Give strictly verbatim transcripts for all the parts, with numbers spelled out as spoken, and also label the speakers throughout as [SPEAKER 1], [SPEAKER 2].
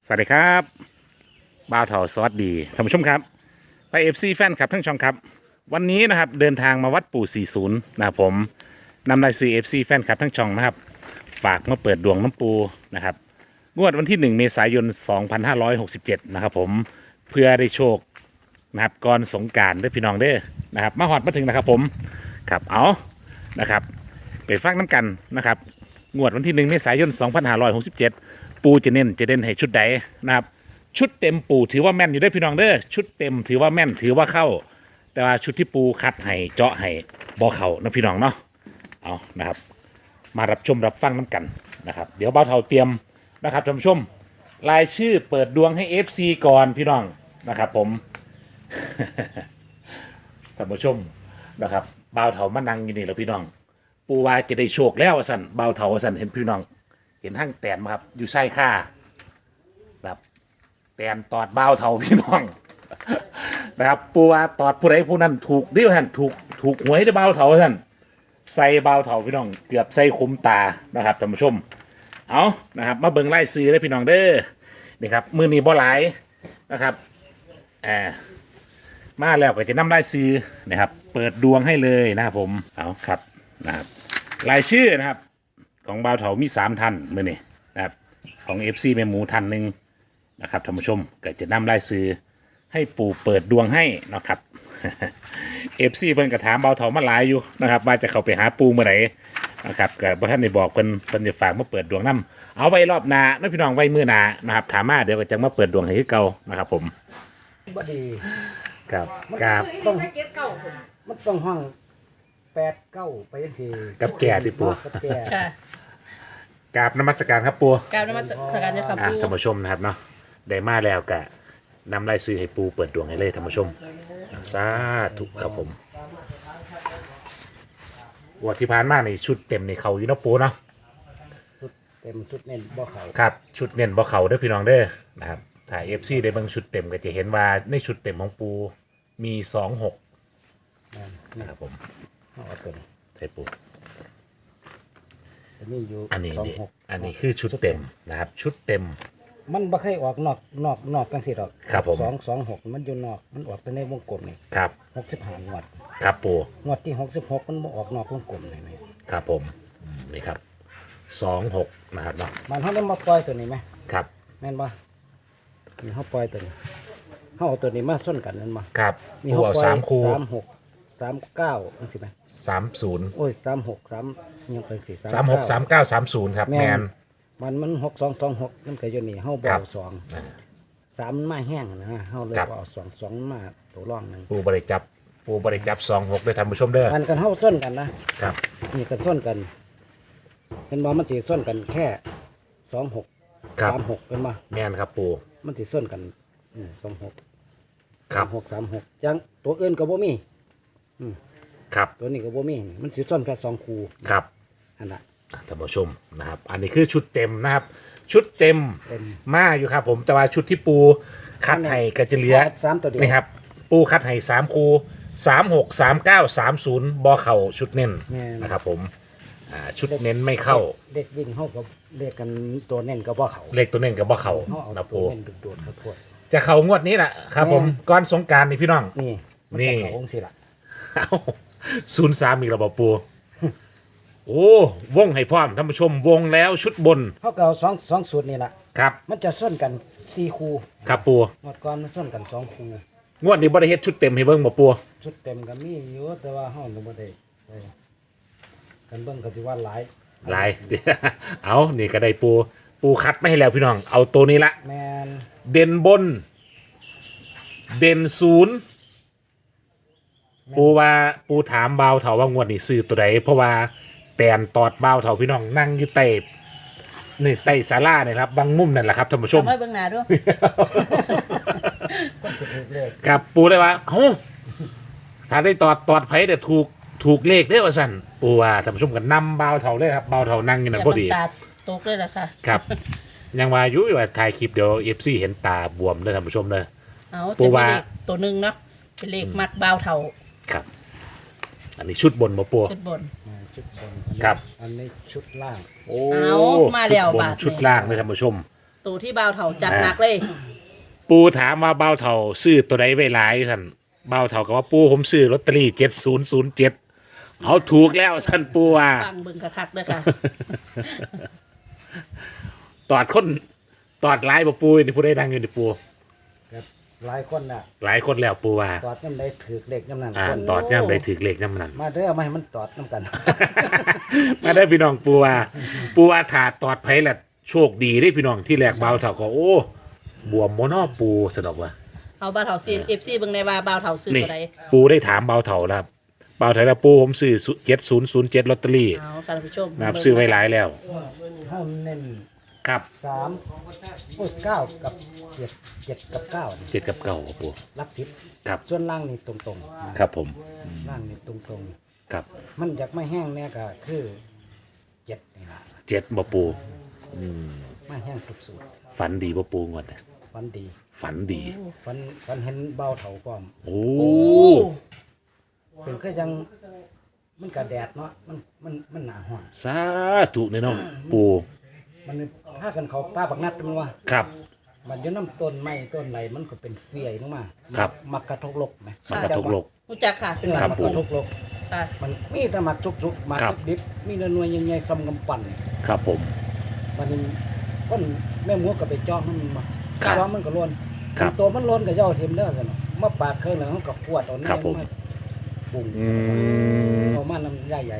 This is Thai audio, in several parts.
[SPEAKER 1] สวัสดีครับบ่าวเถาสวัสดีท่านผู้ชมครับไปเอฟซีแฟนครับทั้งช่องครับวันนี้นะครับเดินทางมาวัดปู่สี่สิบนะครับผมนำรายซื้อเอฟซีแฟนครับทั้งช่องนะครับฝากมาเปิดดวงน้ำปูนะครับงวดวันที่หนึ่งเมษายนสองพันห้าร้อยหกสิบเจ็ดนะครับผมเพื่อได้โชคนะครับก่อนสงกรานต์ด้วยพี่น้องเด้อนะครับมาหอดมาถึงนะครับผมครับเอานะครับไปฟังน้ำกันนะครับงวดวันที่หนึ่งเมษายนสองพันห้าร้อยหกสิบเจ็ดปูจะเน้นจะเด่นให้ชุดใดนะครับชุดเต็มปูถือว่าแม่นอยู่ได้พี่น้องเด้อชุดเต็มถือว่าแม่นถือว่าเข้าแต่ว่าชุดที่ปูคัดให้เจาะให้บอเข่านะพี่น้องเนาะเอานะครับมารับชมรับฟังน้ำกันนะครับเดี๋ยวเบาเท่าเตรียมนะครับท่านผู้ชมรายชื่อเปิดดวงให้ เอฟ ซี ก่อนพี่น้องนะครับผม ท่านผู้ชมนะครับเบาเท่ามานั่งอยู่นี่แล้วพี่น้องปูว่าจะได้โชคแล้วสันเบาเท่าสันเห็นพี่น้องเห็นห้างแตนมาครับอยู่ใส่ค่าแบบแตนตอดเบาเท่าพี่น้อง นะครับปูว่าตอดผู้ใดผู้นั้นถูกดิวท่านถูกถูกหวยได้เบาเท่าท่านใส่เบาเท่าพี่น้องเกือบใส่คุ้มตานะครับท่านผู้ชมเอานะครับมาเบิ่งไล่ซื้อได้พี่น้องเด้อนี่ครับมือนี้บ่หลายนะครับอ่ามาแล้วก็จะนำไล่ซื้อนะครับเปิดดวงให้เลยนะครับผมเอาครับนะครับรายชื่อนะครับของบ่าวเถามีสามท่านมื่อนี้นะครับของ เอฟ ซี แม่หมูท่านหนึ่งนะครับท่านผู้ชมก็จะนำรายซื้อให้ปู่เปิดดวงให้นะครับ เอฟ ซี เพิ่นก็ถามบ่าวเถามาหลายอยู่นะครับว่าจะเข้าไปหาปู่เมื่อไหร่นะครับก็บ่ท่านได้บอกเพิ่นเพิ่นจะฝากมาเปิดดวงนำเอาไว้รอบหน้านะพี่น้องไว้มื้อหน้านะครับถามมาเดี๋ยวก็จะมาเปิดดวงให้คือเก่านะครับผม
[SPEAKER 2] บ่ดี
[SPEAKER 1] ครับครับ
[SPEAKER 2] ต้องมันต้องห้องแปดเก้าไปยังสี่
[SPEAKER 1] กับแก่ที่ปู่
[SPEAKER 2] กับแก่
[SPEAKER 3] ค่ะ
[SPEAKER 1] กราบนมัสการครับปู่
[SPEAKER 3] กราบนมัสการเจ้าค่ะ
[SPEAKER 1] อ่ะ
[SPEAKER 3] ปู่
[SPEAKER 1] ท่านผู้ชมนะครับเนาะได้มาแล้วก็นำรายซื้อให้ปูเปิดดวงให้เลยท่านผู้ชมสาธุครับผมวันที่ผ่านมาในชุดเต็มในเขาอยู่เนาะปูเนาะ
[SPEAKER 2] สุดเต็มสุดเน้นบ่เขา
[SPEAKER 1] ครับชุดเน้นบ่เขาเด้อพี่น้องเด้อนะครับถ้าเอฟซีได้เบางชุดเต็มก็จะเห็นว่าในชุดเต็มของปูมีสองหกนะครับผม
[SPEAKER 2] เอาเอาตัวนี้
[SPEAKER 1] ใช่ปู
[SPEAKER 2] อันนี้อยู่
[SPEAKER 1] อันนี้
[SPEAKER 2] สอง
[SPEAKER 1] นี่
[SPEAKER 2] หก
[SPEAKER 1] อันนี้คือชุดเต็มนะครับชุดเต็ม
[SPEAKER 2] มันบ่เคยออกนอกนอกนอกจังซี่ดอก
[SPEAKER 1] ครับผม
[SPEAKER 2] สองสองหกมันอยู่นอกมันออกแต่ในวงกลมนี่
[SPEAKER 1] ครับ
[SPEAKER 2] หกสิบห้างวด
[SPEAKER 1] ครับปู
[SPEAKER 2] งวดที่หกสิบหกมันบ่ออกนอกวงกลมนี่แม่
[SPEAKER 1] ครับผมอืมนี่ครับสองหกนะครับเนาะ
[SPEAKER 2] มันเฮาได้มาปล่อยตัวนี้ไหม
[SPEAKER 1] ครับ
[SPEAKER 2] แม่นบ่นี่เฮาปล่อยตัวนี้เฮาเอาตัวนี้มาส้นกันนั่นบ่
[SPEAKER 1] ครับ
[SPEAKER 2] นี่
[SPEAKER 1] ปู
[SPEAKER 2] เฮา
[SPEAKER 1] เอา
[SPEAKER 2] ปล่อย
[SPEAKER 1] สามคู
[SPEAKER 2] สามหกสามเก้าจังซี่ไหม
[SPEAKER 1] สามศูนย์
[SPEAKER 2] โอ้ยสามหกสามยังเป็นสี่
[SPEAKER 1] สามหกสามเก้าสามศูนย์ครับแมน
[SPEAKER 2] มันมันหกสองสองหกมันก็อยู่นี่เฮา
[SPEAKER 1] ครับ
[SPEAKER 2] เบาสองสามมันมาแห้งนะเฮาเลย
[SPEAKER 1] ครับ
[SPEAKER 2] เอาสองสองมาตัวร่องหนึ่ง
[SPEAKER 1] ปูบริจับปูบริจับสองหกเลยท่านผู้ชมเด้อ
[SPEAKER 2] มันกันเฮาส้นกันนะครับ นี่กันส้นกันเป็นบ่มันสิส้นกันแค่สองหก
[SPEAKER 1] ครับ
[SPEAKER 2] สามหกเป็นบ่
[SPEAKER 1] แมนครับปู
[SPEAKER 2] มันสิส้นกันสองหก
[SPEAKER 1] ครับ
[SPEAKER 2] หกสามหกยังตัวอื่นก็บ่มี
[SPEAKER 1] ครับ
[SPEAKER 2] ตัวนี้ก็บ่มีมันสิส้นแค่สองคู
[SPEAKER 1] ครับ
[SPEAKER 2] อันน่ะ
[SPEAKER 1] ท่านผู้ชมนะครับ อันนี้คือชุดเต็มนะครับ ชุดเต็ม
[SPEAKER 2] เต็ม
[SPEAKER 1] มาอยู่ครับผมแต่ว่าชุดที่ปูคัดให้ก็จะเหลือ
[SPEAKER 2] สามตัวเดียว
[SPEAKER 1] นี่ครับ ปูคัดให้สามคูสามหกสามเก้าสามศูนย์บอเข่าชุดเน้น
[SPEAKER 2] แม่น
[SPEAKER 1] นะครับผมอ่าชุดเน้นไม่เข้า
[SPEAKER 2] เด็กวิ่งเฮาก็เรียกกันตัวเน้นก็บ่เข้า
[SPEAKER 1] เลขตัวเน้นกับบอเข่า
[SPEAKER 2] เฮาเอา
[SPEAKER 1] นะ
[SPEAKER 2] ตั
[SPEAKER 1] ปู
[SPEAKER 2] วเน้นโดดๆเข้าโพด
[SPEAKER 1] จะเข่างวดนี้แหละครับผม
[SPEAKER 2] แม่น
[SPEAKER 1] ก่อนสงกรารนี่พี่น้อง
[SPEAKER 2] นี่มัน
[SPEAKER 1] นี่
[SPEAKER 2] จะเข้าองค์สิล่ะ
[SPEAKER 1] ศูนย์สามอีกระบบปู โอ้วงให้พร้อมท่านผู้ชมวงแล้วชุดบน
[SPEAKER 2] เขาก็เอาสองสองสูตรนี่แหละ
[SPEAKER 1] ครับ
[SPEAKER 2] มันจะส้นกันสี่คู
[SPEAKER 1] ครับปู
[SPEAKER 2] หมดก่อนมันส้นกันสองคู
[SPEAKER 1] งวดนี้บริเฮ็ดชุดเต็มให้เบิ่งบ่ปู
[SPEAKER 2] ชุดเต็มก็มีอยู่แต่ว่าห้องก็บ่ได้ไปกันเบิ่งก็สิว่าหลาย
[SPEAKER 1] หลาย เอานี่ก็ได้ปู ปูคัดไม่ให้แล้วพี่น้อง เอาตัวนี้ละ
[SPEAKER 2] แมน
[SPEAKER 1] เด่นบน เด่นศูนย์ปูว่าปูถามเบาวเถาว่างวดนี้ซื้อตัวใดเพราะว่าแตนตอดเบาวเถาพี่น้องนั่งอยู่ใต้นี่ใต้ศาลาเนี่ยครับบางมุมนั่นแหละครับท่านผู้ชม
[SPEAKER 3] ทำไว้เบื้องหน้าด้วย
[SPEAKER 2] ก็จะถูกเลข
[SPEAKER 1] กับปูได้ว่าเอ้าถ้าได้ตอดตอดไผแต่ถูกถูกเลขได้อว่าสั่นปูว่าท่านผู้ชมกันนำเบาวเถาเลยครับเบาวเถานั่งอยู่นั่นพอดี
[SPEAKER 3] ตาตกเลยล่ะค่ะ
[SPEAKER 1] ครับ ยังว่าอยู่ว่าถ่ายคลิปเดี๋ยวเอฟซีเห็นตาบวมเลยท่านผู้ชมเลย
[SPEAKER 3] เอา
[SPEAKER 1] ปู
[SPEAKER 3] จะ
[SPEAKER 1] ว่า
[SPEAKER 3] เป็นเลขตัวหนึ่งเนาะเป็นเลขมัดบาวเท่า
[SPEAKER 1] ครับ อันนี้ชุดบนมาปู
[SPEAKER 3] ชุดบน
[SPEAKER 2] อ่าชุดบน
[SPEAKER 1] ครับ
[SPEAKER 2] อันนี้ชุดล่าง
[SPEAKER 1] โอ้
[SPEAKER 3] เอามาแล้ว
[SPEAKER 1] ชุดบน
[SPEAKER 3] บาทนี่
[SPEAKER 1] ชุดล่างเลยท่านผู้ชม
[SPEAKER 3] ตัวที่บ่าวเถาจัดหนักเลย
[SPEAKER 1] ปูถามว่าเบาเท่าซื้อตัวใดไว้หลายท่านเบาเท่ากับว่าปูผมซื้อลอตเตอรี่เจ็ดศูนย์ศูนย์เจ็ดเอาถูกแล้วท่านปูว่า
[SPEAKER 3] ฟังเบิ่งคักๆเด้อค่ะ
[SPEAKER 1] ตอดคนตอดหลายบ่ปูนี่ผู้ได้ดังอยู่นี่ปู
[SPEAKER 2] ครับหลายคนน่ะ
[SPEAKER 1] หลายคนแล้วปูว่า
[SPEAKER 2] ตอดย่ำได้ถือเลขย่ำนั้น
[SPEAKER 1] อ่า
[SPEAKER 2] คน
[SPEAKER 1] ตอดย่ำได้ถือเลขย่ำนั้น
[SPEAKER 2] มาเด้อมาให้มันตอดน้ำกัน
[SPEAKER 1] มาได้พี่น้องปูว่าปูว่าถาตอดไผละโชคดีได้พี่น้องที่แรกเบาเท่าก็โอ้บวมโมนอปูสะดอกว่า
[SPEAKER 3] เอาบ่าวเถาซีเอฟซีเบิ่งในว่าบ่าวเถาซื้อ
[SPEAKER 1] นี่
[SPEAKER 3] ตัวใด
[SPEAKER 1] ปูได้ถามเบาเท่าแล้วครับเบาเท่าแล้วปูผมซื้อเจ็ดศูนย์ศูนย์เจ็ดลอตเตอรี่
[SPEAKER 3] เอาค่ะท่านผู้ชม
[SPEAKER 1] นะครับซื้อไว้หลายแล้ว
[SPEAKER 2] เท่าเน้น
[SPEAKER 1] ครับ
[SPEAKER 2] สามโอ้ยเก้ากับเจ็ดเจ็ดกับเก้านี่
[SPEAKER 1] เจ็ดกับเก่าครับปู
[SPEAKER 2] หลักสิบ
[SPEAKER 1] ครับ
[SPEAKER 2] ส่วนล่างนี่ตรงๆนะครับ
[SPEAKER 1] ผม
[SPEAKER 2] ล่างนี่ตรง
[SPEAKER 1] ครับ
[SPEAKER 2] ๆมันอยากไม่แห้งเนี่ยก็คือเจ็ดนี่ละ
[SPEAKER 1] เจ็ดบ่ปู
[SPEAKER 2] ไม่แห้งทุกสูตร
[SPEAKER 1] ฝันดีบ่ปูงวดน่ะ
[SPEAKER 2] ฟันดี
[SPEAKER 1] ฝันดี
[SPEAKER 2] ฟันฟันเห็นเบาเถาความ
[SPEAKER 1] โอ้
[SPEAKER 3] โอ้
[SPEAKER 2] เป็นก็ยังมันกระแดดเนาะมันมันมันหนาห้อน
[SPEAKER 1] สาธุเนี่ยเนาะปู
[SPEAKER 2] มันพากันเขาป้าบักนัดมันว่า
[SPEAKER 1] ครับ
[SPEAKER 2] มันอยู่น้ำต้นไม้ต้นไหลมันก็เป็นเฟียลงมา
[SPEAKER 1] ครับ
[SPEAKER 2] มักกระทกลกไหม
[SPEAKER 1] มากระทกโลก
[SPEAKER 3] รู้จักค่ะเป็น
[SPEAKER 2] เออ
[SPEAKER 1] ครับ
[SPEAKER 2] มัก
[SPEAKER 1] ปู่
[SPEAKER 2] กระทกลก
[SPEAKER 3] ค่ะ
[SPEAKER 2] มันมีแต่หมักจุกๆหมัก
[SPEAKER 1] ครับ
[SPEAKER 2] ดิบๆมีเนื้อหน่วยใหญ่ๆซ้ำกำปั่น
[SPEAKER 1] ครับผม
[SPEAKER 2] มันนี่คนแม่หมูก็ไปจ้องให้มันมา
[SPEAKER 1] ครับ
[SPEAKER 2] จ้องมันก็ล้วน
[SPEAKER 1] ครับ
[SPEAKER 2] ตัวมันล้วนก็ย่อเทียมเด้อกันเนาะมาปาดเครื่องหนึ่งเขาก็ขวดเอา
[SPEAKER 1] ครับผม
[SPEAKER 2] มาบุ้ง
[SPEAKER 1] อืม
[SPEAKER 2] เอามาน้ำใหญ่ใหญ่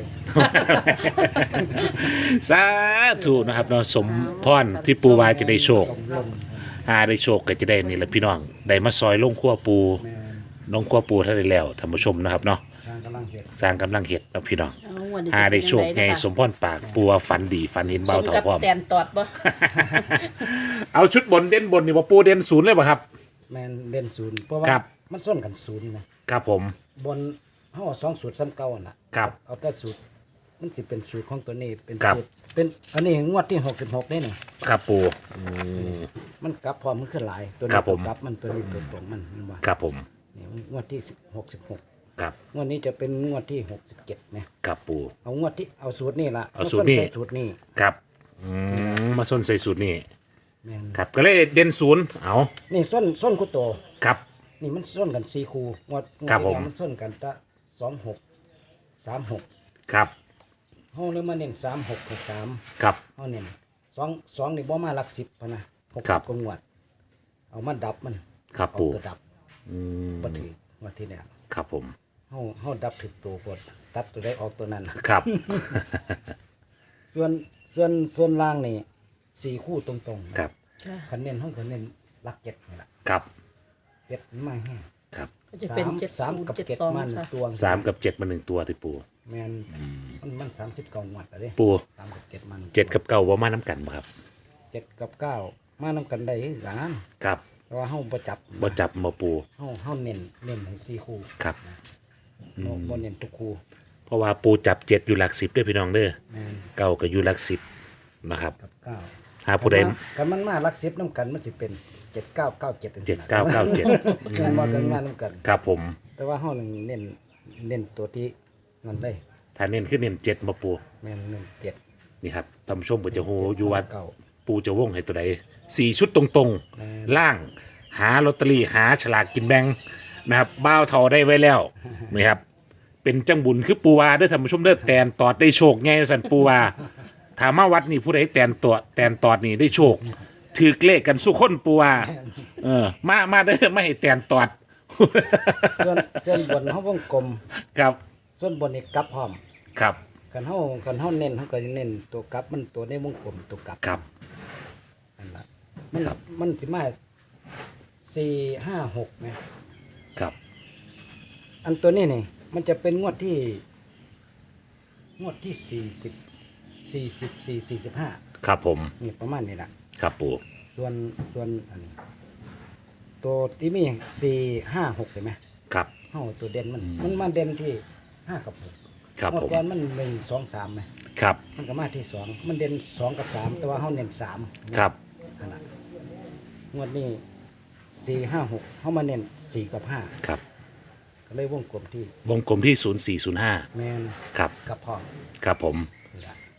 [SPEAKER 1] สาธุนะครับเนาะสมพรที่ปูวาจะได้โชค
[SPEAKER 2] สมลม
[SPEAKER 1] หาได้โชคก็จะได้นี่แหละพี่น้องได้มาซอยลงขั้วปู
[SPEAKER 2] แม่
[SPEAKER 1] ลงขั้วปูท่านได้แล้วท่านผู้ชมนะครับเนาะ
[SPEAKER 2] ทางกำลังเห็ด
[SPEAKER 1] สร้างกำลังเห็ดนะพี่น้อง
[SPEAKER 3] เอาวันนี้
[SPEAKER 1] หาได้โชคไง
[SPEAKER 3] จะเป็นยัง
[SPEAKER 1] สมพรปากปูว่าฝันดีฝันเห็น
[SPEAKER 3] ส
[SPEAKER 1] เบาม เท่า
[SPEAKER 3] กับ
[SPEAKER 1] พร้อม
[SPEAKER 3] แตนตอดบ่
[SPEAKER 1] เอาชุดบนเด่นบนนี่ว่าปูเด่นศูนย์เลยป่ะครับ
[SPEAKER 2] แมนเด่นศูนย์เพราะว่า
[SPEAKER 1] ครับ
[SPEAKER 2] มันส้นกันศูนย์นะครับ
[SPEAKER 1] ผม
[SPEAKER 2] บนห้าสองสูตรซ้ำเก่าอะน่ะ
[SPEAKER 1] ครับ
[SPEAKER 2] เอาแต่สูตรมันสิเป็นสูตรของตัวนี้เป็น
[SPEAKER 1] ครับ
[SPEAKER 2] สูตรเป็นอันนี้งวดที่หกสิบหกนี่นี่
[SPEAKER 1] ครับปู
[SPEAKER 2] มันกลับพร้อมมันขึ้นหลายตัว
[SPEAKER 1] ครั
[SPEAKER 2] นี้
[SPEAKER 1] บผม
[SPEAKER 2] ตัวกลับมันตัวนี้ตัวตรงมันมันว่า
[SPEAKER 1] ครับผม
[SPEAKER 2] นี่งวดที่หกสิบหก
[SPEAKER 1] ครับ
[SPEAKER 2] งวดนี้จะเป็นงวดที่หกสิบเจ็ดนะครับ
[SPEAKER 1] ปู
[SPEAKER 2] เอางวดที่เอาสูตรนี่ละ
[SPEAKER 1] เอาสูตรนี่
[SPEAKER 2] มใสูตรนี่
[SPEAKER 1] ครับอืมมาส้นใส่สูตรนี่
[SPEAKER 2] แม่น
[SPEAKER 1] ครับก็เลยเด่นศูนย์เอา
[SPEAKER 2] นี่ส้นส้นคุโต
[SPEAKER 1] ครับ
[SPEAKER 2] นี่มันส้นกันสี่คูงวดงวด
[SPEAKER 1] ครับ
[SPEAKER 2] ที่
[SPEAKER 1] ผม
[SPEAKER 2] แล้วมันส้นกันตะสองหกสามหก
[SPEAKER 1] ครับ
[SPEAKER 2] ห้องเลยมาเน้นสามหกหกสาม
[SPEAKER 1] ครับ
[SPEAKER 2] ห้องเน้นสองสองนี่บ่มาหลักสิบพะนะหก
[SPEAKER 1] ครั
[SPEAKER 2] สิบบ กว่างวด เอามาดับมัน
[SPEAKER 1] ครับ
[SPEAKER 2] เอา
[SPEAKER 1] ปู
[SPEAKER 2] ตัวดับ
[SPEAKER 1] อืม
[SPEAKER 2] บ่ถืองวดที่แล้ว
[SPEAKER 1] ครับผม
[SPEAKER 2] เฮาเฮาดับถึกตัวกดตัดตัวได้ออกตัวนั้น
[SPEAKER 1] ครับ
[SPEAKER 2] ส่วนส่วนส่วนล่างนี่สี่คู่ตรงๆ
[SPEAKER 1] ครับ
[SPEAKER 3] ค่ะ
[SPEAKER 2] คันเน้นห้องคันเน้นหลักเจ็ดนี่แหละ
[SPEAKER 1] ครับ
[SPEAKER 2] เจ็ดมันมาแห้ง
[SPEAKER 1] ครับ
[SPEAKER 3] ก็จะเป็น
[SPEAKER 2] สาม
[SPEAKER 3] เจ็ด
[SPEAKER 2] สาม
[SPEAKER 3] ศูนย์
[SPEAKER 2] กับ
[SPEAKER 3] เจ็ด
[SPEAKER 2] เจ็ด
[SPEAKER 3] สอง
[SPEAKER 2] มัน
[SPEAKER 3] ค่ะ
[SPEAKER 2] ตัว
[SPEAKER 1] สามกับเจ็ดมาหนึ่งตัวที่ปู
[SPEAKER 2] แมนมันมันสามสิบเก้าหวัดอะเด้
[SPEAKER 1] ปู
[SPEAKER 2] สามกับเจ็ดมัน
[SPEAKER 1] เจ็ดกับเก้าว่ามาน้ำกันบ่ครับ
[SPEAKER 2] เจ็ดกับเก้ามานํกันได้คือกัน
[SPEAKER 1] ครับ
[SPEAKER 2] แต่ว่าเฮาบ่จับ
[SPEAKER 1] บ่จับมาปู
[SPEAKER 2] เฮาเฮาเน้นเน้นให้สี่คู่
[SPEAKER 1] ครับ
[SPEAKER 2] บ่บ่เน้นทุกคู่
[SPEAKER 1] เพราะว่าปูจับเจ็ดอยู่หลักสิบด้วยพี่น้องเด้อ
[SPEAKER 2] แมน
[SPEAKER 1] เก้าก็อยู่หลักสิบนะครับ
[SPEAKER 2] กับเก้า
[SPEAKER 1] หาผู้ใด
[SPEAKER 2] กันมันมาหลักสิบนํกันมันสิเป็นเจ็ดเก้าเก้าเจ็ด
[SPEAKER 1] เจ็ดเก้าเก้าเจ็ด
[SPEAKER 2] กันมากันมานํกัน
[SPEAKER 1] ครับผม
[SPEAKER 2] แต่ว่าเฮานึงเน้นเน้นตัวที่นั่นได้
[SPEAKER 1] ถ้าเน้นขึ้นเน้นเจ็ดมาปู
[SPEAKER 2] แม่นเน้นเจ็ด
[SPEAKER 1] นี่ครับท่านผู้ชมก็จะโหอยู่ว่า
[SPEAKER 2] เก้า
[SPEAKER 1] ปูจะวงให้ตัวใดสี่ชุดตรงๆ ล่างหาลอตเตอรี่หาฉลากกินแบ่งนะครับบ้าวเทาได้ไว้แล้วนี่ครับ เป็นจังบุญคือปูวาเด้อท่านผู้ชมเด้อแตนตอดได้โชคไงสันปูวาถามมาวัดนี่ผู้ใดแตนตัวแตนตอดนี่ได้โชคถือเลขกันสู้คนปูวาเออมามาเด้อไม่ให้แตนตอด
[SPEAKER 2] ส่วนส่วนบนเฮาวงกลม
[SPEAKER 1] ครับ
[SPEAKER 2] ส่วนบนนี่กลับพร้อม
[SPEAKER 1] ครับ
[SPEAKER 2] กันเฮากันเฮาเน้นเฮาก็จะเน้นตัวกลับมันตัวในวงกลมตัวกลับ
[SPEAKER 1] ครับ
[SPEAKER 2] นั่นล่ะมัน
[SPEAKER 1] ครับ
[SPEAKER 2] มันสิมาสี่ห้าหกไหม
[SPEAKER 1] ครับ
[SPEAKER 2] อันตัวนี้นี่มันจะเป็นงวดที่ งวดที่สี่สิบสี่สิบสี่สี่สิบห้า
[SPEAKER 1] ครับผม
[SPEAKER 2] นี่ประมาณนี้ล่ะ
[SPEAKER 1] ครับปู
[SPEAKER 2] ส่วนส่วนอันนี้ ตัวที่มีสี่ห้าหกเห็นไหม
[SPEAKER 1] ครับ
[SPEAKER 2] เฮาตัวเด่นมันมันมาเด่นที่ห้ากับหก
[SPEAKER 1] ครับ
[SPEAKER 2] งวด
[SPEAKER 1] ผม
[SPEAKER 2] ก่อนมันหนึ่งสองสามไหม
[SPEAKER 1] ครับ
[SPEAKER 2] มันก็มาที่สองมันเด่นสองกับสามแต่ว่าเขาเน้นสาม
[SPEAKER 1] ครับ
[SPEAKER 2] นั่นล่ะงวดนี้สี่ห้าหกเขามาเน้นสี่กับห้า
[SPEAKER 1] ครับ
[SPEAKER 2] ก็เลยวงกลมที่
[SPEAKER 1] วงกลมที่ศูนย์สี่ศูนย์ห้า
[SPEAKER 2] แมน
[SPEAKER 1] ครับ
[SPEAKER 2] กับพ่อ
[SPEAKER 1] ครับผม
[SPEAKER 2] นี่ล่ะ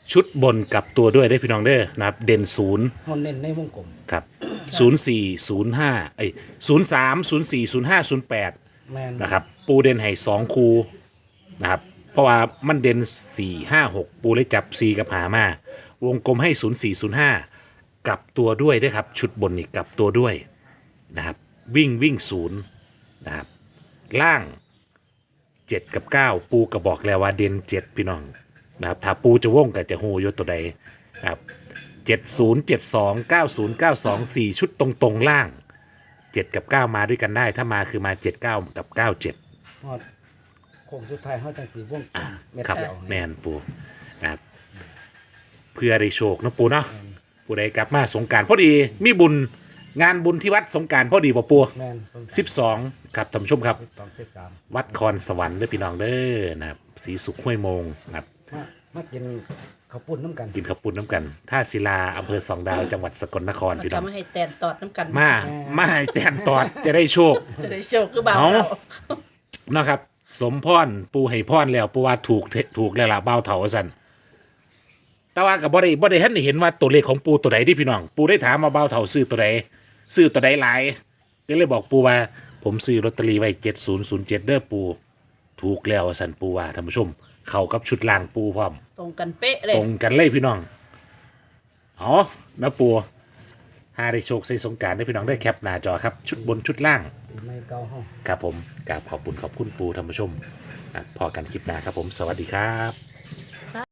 [SPEAKER 1] ชุดบนกลับตัวด้วยได้พี่น้องเด้อนะครับเด่นศูนย์
[SPEAKER 2] เฮาเน้นในวงกลม
[SPEAKER 1] ครับศูนย์สี่ศูนย์ห้าเอ้ยศูนย์สามศูนย์สี่ศูนย์ห้าศูนย์แปด
[SPEAKER 2] แม่น
[SPEAKER 1] นะครับปูเด่นให้สองคูนะครับเพราะว่ามันเด่นสี่ห้าหกปูเลยจับสี่กับหามาวงกลมให้ศูนย์สี่ศูนย์ห้ากลับตัวด้วยด้วยครับชุดบนนี่กลับตัวด้วยนะครับวิ่งวิ่งศูนย์นะครับล่างเจ็ดกับเก้าปูกระบอกแล้วว่าเด่นเจ็ดพี่น้องนะครับถ้าปูจะว่งกับจะโหยตัวใดนะครับเจ็ดศูนย์เจ็ดสองเก้าศูนย์เก้าสองสี่ชุดตรงตรงๆล่างเจ็ดกับเก้ามาด้วยกันได้ถ้ามาคือมาเจ็ดเก้ากับเก้าเจ็ด
[SPEAKER 2] ฮอดโค้งสุดท้ายเฮาจังสิวงกลมเม็ด
[SPEAKER 1] ครับ
[SPEAKER 2] เดียว
[SPEAKER 1] แมนปูนะครับเพื่อได้โชคเนาะปูเนาะปูได้กลับมาสงกรารพอดีมีบุญงานบุญที่วัดสงกรารพอดีป่ะปู
[SPEAKER 2] แม่น
[SPEAKER 1] สิบสองครับท่านผู้ชมครับ
[SPEAKER 2] สิบสอง สิบสาม
[SPEAKER 1] วัดคอนสวรรค์เด้อพี่น้องเด้อนะครับศรีสุขห้วยโมงนะครับ
[SPEAKER 2] มามากินข้าวปุ้นน้ำกัน
[SPEAKER 1] กินข้าวปุ้นน้ำกันท่าศิลาอำเภอสองดาวจังหวัดสกลนคร
[SPEAKER 3] แล้ว
[SPEAKER 1] พี่น้
[SPEAKER 3] ก็
[SPEAKER 1] อง
[SPEAKER 3] มาให้แตนตอดน้ำกัน
[SPEAKER 1] มามาให้แตนตอดจะได้โชค
[SPEAKER 3] จะได้โชคคือบ่าว
[SPEAKER 1] เอา
[SPEAKER 3] เถา
[SPEAKER 1] นะครับ สมพรปูให้พรแล้วปูว่าถูกเทถูกแล้วล่ะเบ้าเถาสันแต่ว่ากับบ่ได้บ่ได้ท่านได้เห็นว่าตัวเลขของปูตัวใดที่พี่น้อง ปูได้ถามมาเบ้าเถาซื้อตัวใดซื้อตัวใดหลายก็เลยบอกปูว่า ผมซื้อลอตเตอรี่ไว้เจ็ดศูนย์ศูนย์เจ็ดเด้อปูถูกแล้วสันปูว่าท่านผู้ชม เข้ากับชุดลางปูพร้อม
[SPEAKER 3] ตรงกันเป๊ะเลย
[SPEAKER 1] ตรงกันเลยพี่น้องอ๋อนะปูหาได้โชคใส่สงกรารได้พี่น้องได้แคปหน้าจอครับชุดบนชุดล่าง
[SPEAKER 2] ปีใหม่เก่าเฮา
[SPEAKER 1] ครับผมกราบขอบคุณขอบคุณปูท่านผู้ชมอ่ะพอกันคลิปหน้าครับผม สวัสดีครับ